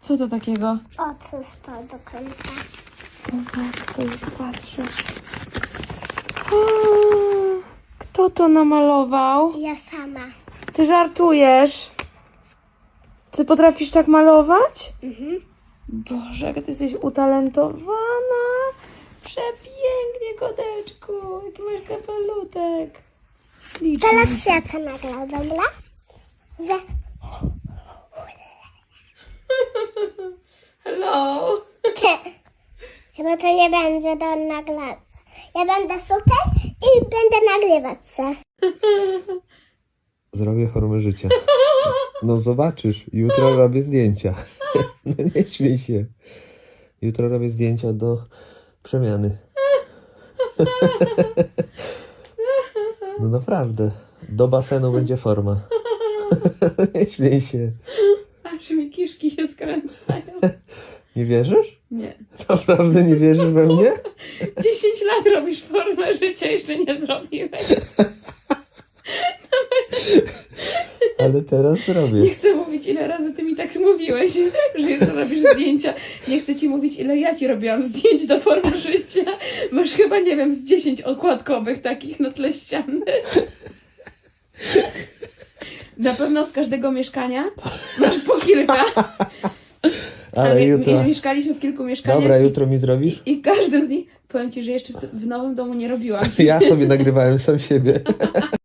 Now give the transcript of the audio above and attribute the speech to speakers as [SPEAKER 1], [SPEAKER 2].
[SPEAKER 1] Co to takiego?
[SPEAKER 2] Otwórz to do końca.
[SPEAKER 1] To już patrzę. Kto to namalował?
[SPEAKER 2] Ja sama.
[SPEAKER 1] Ty żartujesz? Ty potrafisz tak malować? Boże, jaka ty jesteś utalentowana. Przepięknie, koteczku. Jaki masz kapelutek. Śliczny.
[SPEAKER 2] Teraz ja co nagrał, dobra?
[SPEAKER 1] Hello.
[SPEAKER 2] Chyba to nie będzie do nagrać. Ja będę super i będę nagrywać się.
[SPEAKER 3] Zrobię formę życia. No zobaczysz, jutro robię zdjęcia. No nie śmiej się. Jutro robię zdjęcia do przemiany. No naprawdę. Do basenu będzie forma. Nie śmiej się.
[SPEAKER 1] Aż mi kiszki się skręcają.
[SPEAKER 3] Nie wierzysz?
[SPEAKER 1] Nie.
[SPEAKER 3] Naprawdę nie wierzysz we mnie?
[SPEAKER 1] 10 lat robisz formę życia, jeszcze nie zrobiłeś.
[SPEAKER 3] Ale teraz
[SPEAKER 1] Nie
[SPEAKER 3] zrobię.
[SPEAKER 1] chcę mówić, ile razy ty mi tak mówiłeś, że jutro robisz zdjęcia. Nie chcę ci mówić, ile ja ci robiłam zdjęć do formy życia. Masz chyba, nie wiem, z 10 okładkowych takich na tle ściany. Na pewno z każdego mieszkania masz po kilka.
[SPEAKER 3] Ale jutro...
[SPEAKER 1] Mieszkaliśmy w kilku mieszkaniach.
[SPEAKER 3] Dobra, jutro mi zrobisz?
[SPEAKER 1] I w każdym z nich, powiem ci, że jeszcze w nowym domu nie robiłam.
[SPEAKER 3] Ja sobie nagrywałem sam siebie.